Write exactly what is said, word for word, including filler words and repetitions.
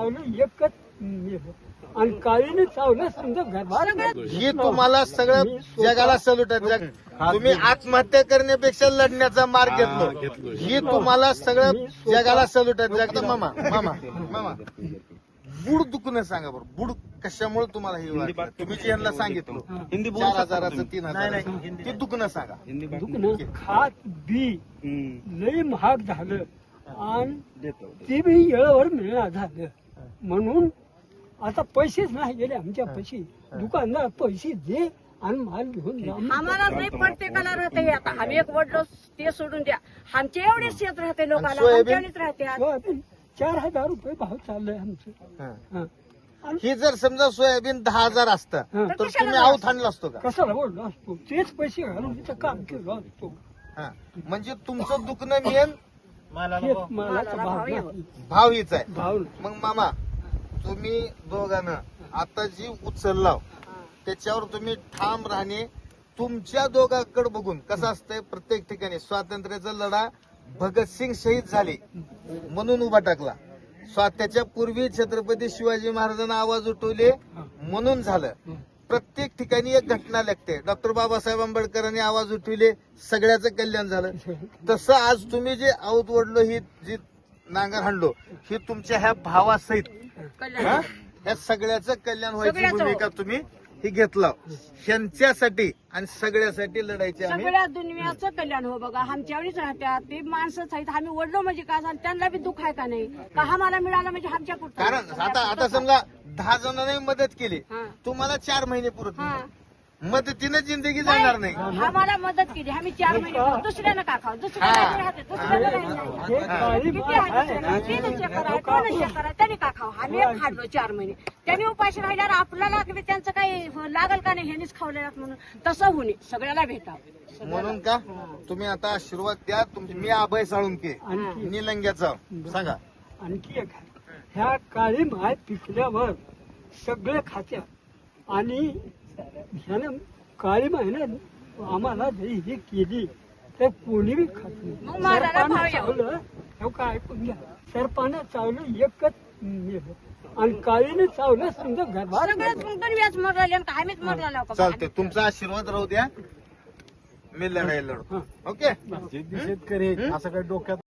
चावलं एकच मेलं. आणि काळीने चावलं समजा घरभार. ही तुम्हाला सगळं जगाला सल्यूट आहे. जग तुम्ही आत्महत्या करण्यापेक्षा लढण्याचा मार्ग घेतलो. ही तुम्हाला सगळं जगाला सल्यूट आहे. जग मामा मामा मामा बुड दुखणं सांगा बरं. बुड कशामुळे तुम्हाला हे वाटलं? तुम्ही जे यांना सांगितलं चार हजाराचं तीन हजार ते दुखणं सांगा. दुखणं खात बी लई महाग झालं आणि ते बी येळेवर मिळणार झालं. म्हणून आता पैसेच नाही गेले आमच्या पैसे. दुकानदार पैसे दे आणि माल घेऊन जा. आम्हाला नाही प्रत्येकाला राहते. आता आम्ही एक वडलो ते सोडून द्या. आमचे एवढेच शेत राहते लोकांना. सोयाबीन? आमच्यावढेच राहते. सोयाबीन चार हजार रुपये भाव चाललाय आमचं. हं. आणि ही जर समजा सोयाबीन दहा हजार असतं हं. तर तुम्ही आऊत आणला असतो का? कशाला बोललो असतो? तेच पैसे घालून तिथं काम केलं असतो. हा. म्हणजे तुमचं दुखणं मेन हेच मालाचा भाव नाही. भाव हीच आहे. भाव मग मामा तुम्ही दोघांना आता जी उचलला त्याच्यावर तुम्ही ठाम राहणे. तुमच्या दोघांकडे बघून कसं असतंय प्रत्येक ठिकाणी स्वातंत्र्याचा लढा भगतसिंग शहीद झाले म्हणून उभा टाकला. स्वात्याच्या पूर्वी छत्रपती शिवाजी महाराजांना आवाज उठवले म्हणून झालं. प्रत्येक ठिकाणी एक घटना लागते. डॉक्टर बाबासाहेब आंबेडकरांनी आवाज उठविले सगळ्याचं कल्याण झालं. तसं आज तुम्ही जे आऊत वडलो ही जी नांगर हाणलो ही तुमच्या ह्या भावासहित हा? या सगळ्याचं कल्याण व्हायची सगळ्याचं. भूमिका तुम्ही ही घेतला. ह्यांच्यासाठी आणि सगळ्यासाठी लढायची आम्ही. सगळ्या दुनियाचं कल्याण हो बघा. आमच्यावरच राहत्या ते माणसंच आहेत. आम्ही वडलो म्हणजे का झालं त्यांना बी दुःख आहे का नाही का आम्हाला मिळालं म्हणजे आमच्या कुठं. कारण आता आता समजा दहा जणांनी मदत केली हा. तुम्हाला चार महिने पुरत हा. नाही. मदतीनं जिंदगी जाणार नाही. आम्हाला मदत केली. आम्ही चार महिने खाऊ. दुसऱ्यानं का खाऊ? दुसऱ्याला राहते दुसऱ्याला नाही. हे काळी किती माल आहे आहे ना. दुसऱ्याला? तीन चक्कर आहे, दोन चक्कर आहे. त्यांनी का खाऊ? आम्ही एक खाल्लो चार महिने. त्यांनी उपाशी राहिल्यावर आपल्याला की त्यांचं काही लागल का नाही ह्यांनीच खावलेलं म्हणून तसं होणे सगळ्याला भेटावं. म्हणून का तुम्ही आता आशीर्वाद द्या. तुमची मी अभय साळुंके आणखी निलंग्याचा सांगा. आणखी एक आहे. ह्या काळी माय पिकल्यावर सगळे खात्यात आणि ह्यानं काळी महिन्यात आम्हाला जरी ही केली तर कोणी बी खात नाही. मग मालाला सरपानं भाव येऊ. चावलं हे काय ऐकून घ्या. सरपानं चावलं एकच मेलं आणि काळीने चावलं समजा घरभार. सगळ्याच मग दुनियाच मरले आणि आम्हीच मरला का? चालते तुमचा आशीर्वाद राहू द्या. मी लढाई लढतो. ओके शेतकरी असं काही डोक्यात